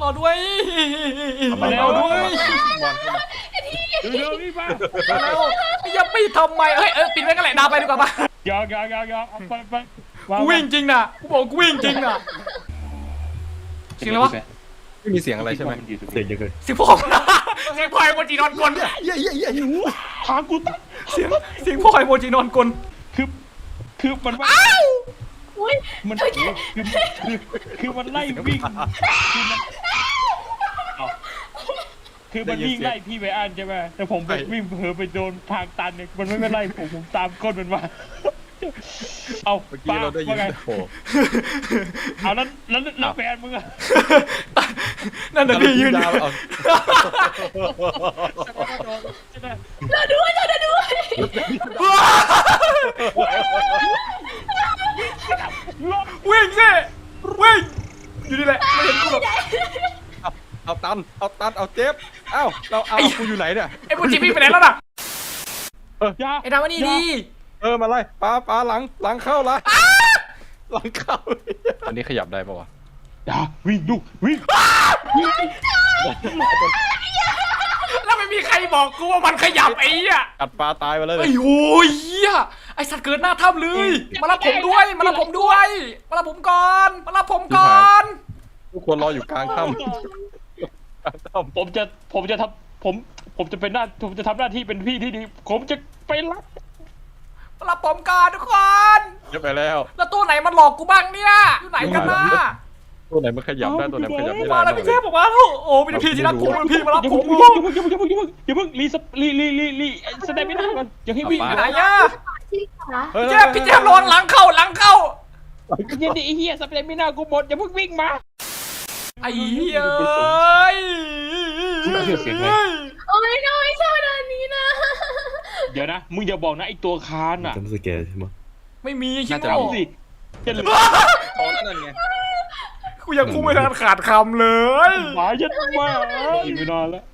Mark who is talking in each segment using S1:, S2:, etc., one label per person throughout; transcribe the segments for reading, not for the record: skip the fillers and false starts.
S1: ด้วยมาแล้วด้วย
S2: เร็วๆนี่มา
S1: แล้วอย่าปิดทำไมเฮ้ยปิดไว้กันแหละดาวไปดีกว่าปะ
S2: ยอกเอาไป
S1: กูวิ่งจริงนะกูบอกกูวิ่งจริงนะเสียงอะไรวะ
S3: ไม่มีเสียงอะไรใช่ไหม
S4: เสียงยังไง
S1: เสียงพ่อเสียงพ่อไอโมจินอนกล
S4: เย้
S2: ทางกู
S1: เสียงพ่อไอโมจินอนกล
S2: คือมันว่ามันคือมันไล่วิ่งคือมันวิ่งไล่พี่ไปอ่านใช่ไหมแต่ผมไปวิ่งเผลอไปโดนทางตันเนี่ยมันไม่ไล่ผมตามก้นมันมาเอา
S3: เมื่อกี้เราได้ยินโอ้
S2: เอาแล้วแฟนมึงอะ
S1: นั่นน่ะพี่ยืน
S3: เอา
S5: เราด้วย
S1: วิ่งสิวิ่งอยู่นี่แหละไม่เห็นกูหรอก
S3: เอาตันเอาเจ็บเอากูอยู่ไหนเนี่ย
S1: ไอ้โมจิวิ่งไปไหนแล้วน่ะ
S2: ยา
S1: ไอ้ดาวนี่ดี
S3: มาไล่ปลาหลังเข้าละหลังเข้าอันนี้ขยับได้ปะวะ
S2: ยาวิ่งดูวิ่ง
S1: แล้วไม่มีใครบอกกูว่ามันขยับไอ้เนี่ย
S3: กัดปลาตายไปเลย
S1: ไอ้โว้ยเหี้ยไอ้สัตว์เกิดหน้าถ้ำเลยมารับผมด้วยมารับผมด้วยมารับผมก่อนมารับผมก่อน
S3: ทุกคนรออยู่กลางถ้
S2: ผมจะทำผมจะเป็นผมจะทำหน้าที่เป็นพี่ที่ดีผมจะไปรับ
S1: มารับผมก่อนทุกคน
S3: ำเยอะไปแล้ว
S1: แล้วตัวไหนมันหลอกกูบ้างเนี่ยอยู่ไหนกันนะ
S3: ตัวไหนมันขยับได้ตัวไหนมันขยับไม่ได้
S1: มาแล้วพี่เทพผมมาแล้วโอ้พี่ที่รักผมพี่มารับผม
S2: อย่าเพิ่งรีสเตปไม่ได้ก่อนอย่าให้วิ่ง
S1: ไหนอะ
S5: ที่ขา
S1: พี่เทพระวังหลังเข้า
S2: เย็นดิไอ้เหี้ยสเตปไม่ได้กูหมดอย่าเพิ่งวิ่งมา
S1: ไอ้เหี้ยเอ้ย
S5: โอ้ยน้อยชอบด้านนี้นะ
S2: เดี๋ยวนะมึงอย่าบอกนะไอ้ตัวคานอ่ะ
S4: จำสแกนใช่ไหม
S1: ไม่มีคิด
S2: จะ
S1: ว่า
S2: เอาสิจะเหลือ
S3: ตอนนั้นไง
S1: กูยังคุ้มไม่ทันขาดคำเลย
S2: หมายัดมาอีกไม่นอนแล้ว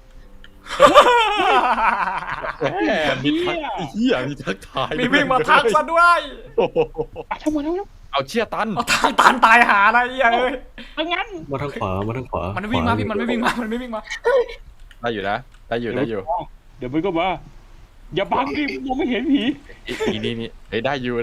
S3: แหมมีทักเหี้ยมีทักทาย
S1: มีวิ่งมาทักซะด้วย
S2: ทำไมแล้ว
S3: เอาเชี่ยตัน
S1: เอาทางตันตายหาอะไรเอ้ย
S2: งั้น
S4: มาทางขวามันไม่
S1: วิ่งมาพี่มันไม่วิ่งมา
S3: ได้อยู่นะได้อยู่
S2: เดี๋ยวมันก็มาอย่าบังดิมองไม่เห็นผี
S3: นี่ได้อยู่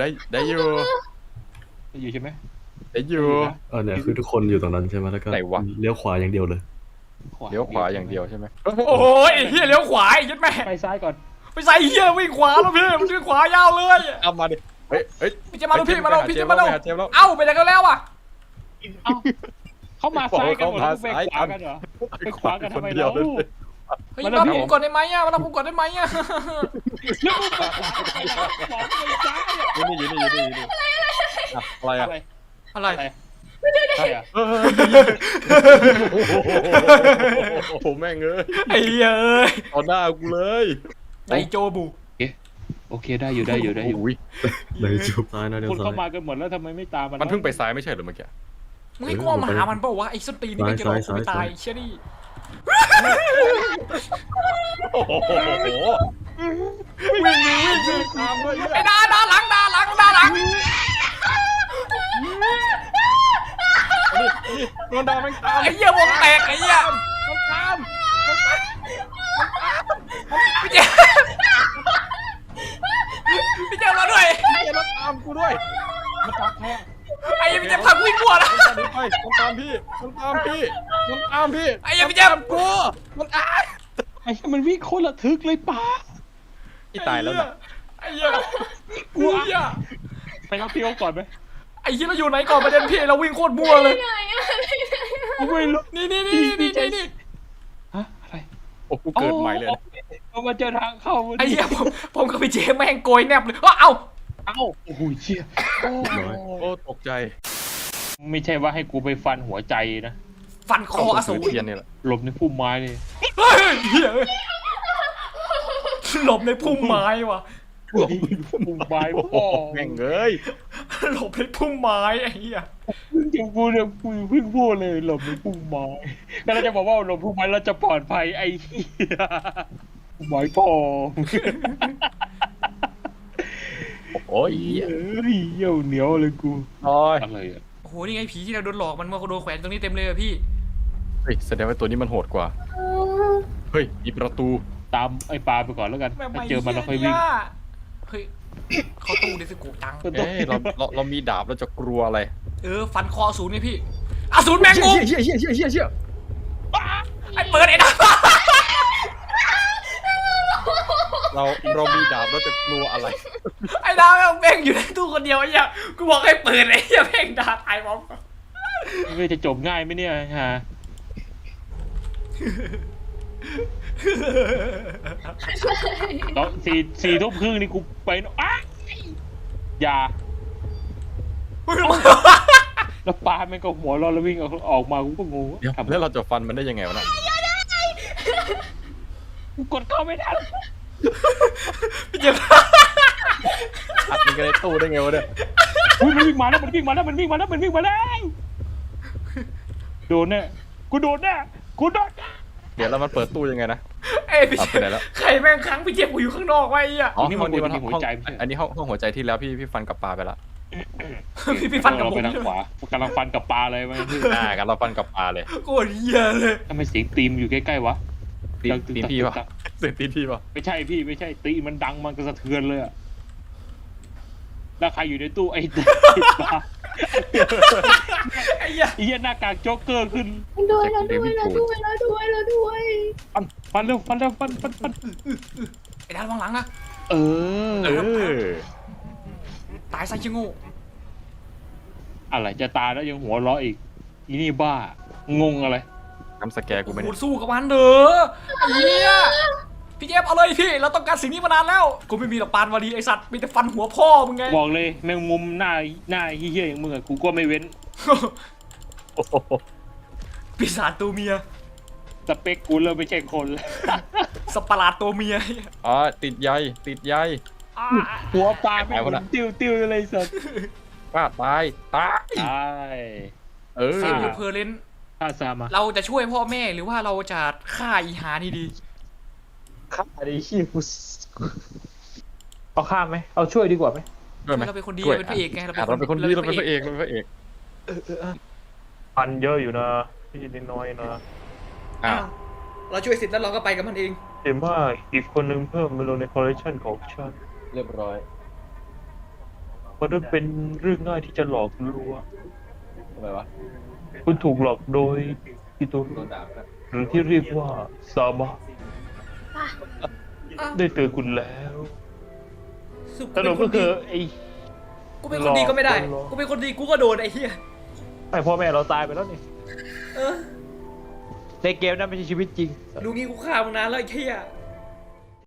S2: อยู่ใช่ไหม
S3: ได้อยู่
S4: เนี่ยคือทุกคนอยู่ตรงนั้นใช่ไหมแล้วก็
S3: ไหนวะ
S4: เลี้ยวขวาอย่างเดียวเลย
S3: เลี้ยวขวาอย่างเดียวใช่ไหม
S1: โอ้ยไอ้เหี้ยเลี้ยวขวาไอ้ยัดแม่
S2: ไปซ้ายก่อน
S1: ไปใส่เหี้ยวิ่งขวาแล้วพี่มันวิ่งขวายาวเลย
S3: เอามาดิเฮ้ย
S1: พี่จะมาดูพี่มาดูพี่จะมาดู
S3: เจมแล้ว
S1: เอ้าไปไหนกันแล้วอ่ะ
S2: เข้ามาซ้ายกันหมดไปขวากันเหรอไปขวากันทำไมเรา
S1: เฮ้ยมารับผมก่อนได้ไหมอ่ะมารับผมก่อนได้ไหมอ่ะ
S3: อยู่นี่อะไรอะ
S1: อะไร
S3: โอ้โหแม่งเอ้ย
S1: ไอ้เอ้ย
S3: ต่อหน้ากูเลย
S1: ไอโจบู
S2: โอเคได้อยู่
S3: อุ้ย
S4: ในจุดซ้ายนะเดี๋ยว
S2: คน
S4: ซ้า
S2: เข้าย มากันหมดแล้วทำไมไม่ตาม
S3: มันเพิ่งไปซ้ายไม่ใช่หรือเมื่อกี้
S1: มึงให้กูเอามาหามันเปล่าวะไอ้ส้นตีนนี่มันจะหลอกกูไม่ตายเชี่ยนี่
S3: โอ้โห
S1: วิ่ง
S3: ตามด้วย
S1: ไอ้ด่าหลัง
S3: โดนดาวแม่งตาม
S1: ไอ้เหี้ยวงแตกไอ้เหี้ย
S3: มันตาม
S1: พี่เจมมาด้วย
S3: มันตามกูด้วย
S2: มันตามแค่
S1: ไอ้พี่เจมพังวิ่งกลัวแล้ว
S3: มันตามพี่
S1: ไอ้พี่เจม
S3: กูมันตาย
S2: ไอ้มันวิ่งโคตรระทึกเลยป้า
S3: ที่ตายแล้วนะ
S1: ไอ้เหี้ยกลัว
S2: ไปรับพี่เขาก่อนไหม
S1: ไอ้เหี้ยเราอยู่ไหนก่อนประเด็นพี่เราวิ่งโคตรมั่วเลย
S5: ไหนอะ
S2: ไม่รู้
S1: นี่
S2: ฮะอะไร
S3: โอ้กูเกิดใหม่เลย
S2: เรามาเจอทางเข้า
S1: ไอ้เหี้ยผมกับพี่เจมแม่งโกยแนบเลยเอ้า
S2: โอ้โหเชี่ย
S3: โอ้ตกใจ
S2: ไม่ใช่ว่าให้กูไปฟันหัวใจนะ
S1: ฟันคออสูร
S3: เทียนนี่แหละ
S2: หลบในพุ่มไม้เลย
S1: เฮ้ยเหี้ยหลบในพุ่มไม้ว่ะ
S2: พุ่มไม้พ่อ
S3: แม่งเอ้ย
S1: หลบในพุ่มไม้ไอ้เหี้ย
S2: จริงกูเนี่ยกูเพิ่งพูดเลยหลบในพุ่มไม้ก็เราจะบอกว่าหลบพุ่มไม้เราจะปลอดภัยไอ้เหี้ยพุ่มไม้พ่อ
S3: โอ้ย
S2: เยี่ยวเหนียวเลยกู
S3: โอ้ย
S2: อะไรอ่ะ
S1: โอ้โหนี่ไงผีที่เราโดนหลอกมันมาโดนแขวนตรงนี้เต็มเลยอะพี่
S3: เฮ้ยแสดงว่าตัวนี้มันโหดกว่า เฮ้ยมีประตู
S2: ตามไอ้ปลาไปก่อนแล้วกัน
S1: แม่ง
S2: ถ้า
S1: ไม่
S2: เจอมันเราค่อยวิ่ง
S1: เนี่ยเฮ้ยเขาตู้ดิสโก้จัง
S3: เอ้ยเรามีดาบเราจะกลัวอะไร
S1: ฟันคอศูนย์นี่พี่อสูรแมงมุม
S3: เชี่ย
S1: ไอ้เปิดไอ้ดา
S3: เรามีดาบเราจะกลัวอะไร
S1: ไอ้ดาวแม่งอยู่ในตู้คนเดียวไอ้เหี้ยกูบอกให้เปิดไอ้เหี้ยแม่งด่าตายพร้อมกัน
S2: ไม่จะจบง่ายไหมเนี่ยฮะตอนสี่ทุ่มครึ่งนี่กูไปอ้ายอย่าแล้วปลาแม่งก็หัวเร้อนแล้ววิ่งออกมากูก็งง
S3: เดี๋ยวแล้วเราจะฟันมันได้ยังไงวะน่ะ
S2: กูกดเข้าไม่ทัน
S1: พี่เจ็บ
S3: อัดมันกันในตู้ได้ไงวะเนี่ย
S2: อุ้ยมันวิ่งมาแล้วมันวิ่งมาแล้วมันวิ่งมาแล้วมันวิ่งมาแล้วโดนแน่กูโดนแน่กูโดนแน่
S3: เดี๋ยวแล้วมันเปิดตู้ยังไงนะ
S1: เอ้ยพี่
S3: เอาไปไหนแล้ว
S1: ใครแม่งค้างพี่เจ็บกูอยู่ข้างนอกไว้ไอ้เหี้ย
S3: อ๋อห้องนี้มันห้องอันนี้ห้องหัวใจที่แล้วพี่ฟันกับปลาไปละ
S1: พี่ฟันกับผม
S2: ไปทางขวากำลังฟันกับปลาเลยมัน
S3: กันเราฟันกับปลาเลย
S1: โคตรเหี้ยเลย
S2: ทำไมเสียงตีมอยู่ใกล้ๆวะ
S3: ตีนพี่ปะเสียงตีนพี่ปะ
S2: ไม่ใช่พี่ไม่ใช่ตีมันดังมันกระสะเทือนเลยอะแล้วใครอยู่ในตู้ไอ้ปลา
S1: ไอ้เหี้ย
S2: ไอ้เหี้ยหน้ากากโจ๊กเกอร์ขึ้น
S5: ด้วย
S2: ฟันเร็วฟัน
S1: ไอ้ดาววางหลังนะ
S2: เออ
S1: ตายซะชิโง่
S2: อะไรจะตายแล้วยังหัวเราะอีกอีนี่บ้างงอะไร
S3: ทำสแกร์กูไม่
S1: กู
S3: ได้
S1: สู้กับมันเด้อไอ้เหี้ยพี่เจ็บเอาเลยพี่เราต้องการสิ่งนี้มานานแล้วกูไม่มีหรอกปานวารีไอสัตว์มีแต่ฟันหัวพ่อมึงไง
S2: บอกเลยแมงมุมหน้าเฮี้ยๆอย่างมึงอะกูก็ไม่เว้น
S3: โอ้โห
S1: ปีศาจตัวเมีย
S2: สเปคกูเริ่มไม่ใช่คนแล้ว
S1: สัตว์ประหลาดตัวเมีย
S3: อ๋อติดใย
S1: อ่า
S2: หัวปลาไม่หมุนติ้วอะไรสัตว์
S3: ป้าตาย
S2: ตาย
S3: เออ
S1: เซฟยูเพอร์เลน
S2: ฆ่าซามา
S1: เราจะช่วยพ่อแม่หรือว่าเราจะฆ่าอีหานี่ดี
S2: ฆ่าดิชิฟุสเอาฆ่าไหมเอาช่วยดีกว่าไหม
S3: ด้วยไหม
S1: เราเป็นคนดี
S3: ด้วย
S1: เราเป็นพระเอกไง
S3: เราเป็นคนดีเราเป็นพระเอกเราเป็นพระเอก
S6: พันเยอะอยู่นะพี่นิดน้อยนะ
S3: อ้าว
S1: เราช่วยเสร็จแล้วเราก็ไปกับมันเอง
S6: แต่ว่าอีกคนนึงเพิ่มมาลงในคอลเลคชันของฉัน
S3: เรียบร้อย
S6: มันนั้นเป็นเรื่องง่ายที่จะหลอกลวง
S3: ทำไมวะ
S6: คุณถูกหลอกโดยอิตุ
S3: โดนด่านะ
S6: หรือที่เรียกว่าซาบะได้เตือนคุณแล้ว สรุปก็คือไอ้
S1: กูเป็นคนดีก็ไม่ได้
S6: หลอก
S1: กูเป็นคนดีกูก็โดนไอ้เหี้ย
S6: ไอ้พ่อแม่เราตายไปแล้วนี่
S1: เออ
S6: ในเกมนั้นไม่ใช่ชีวิตจริง
S1: ลูกนี้กูฆ่ามึงนานแล้วไอ้เหี้ย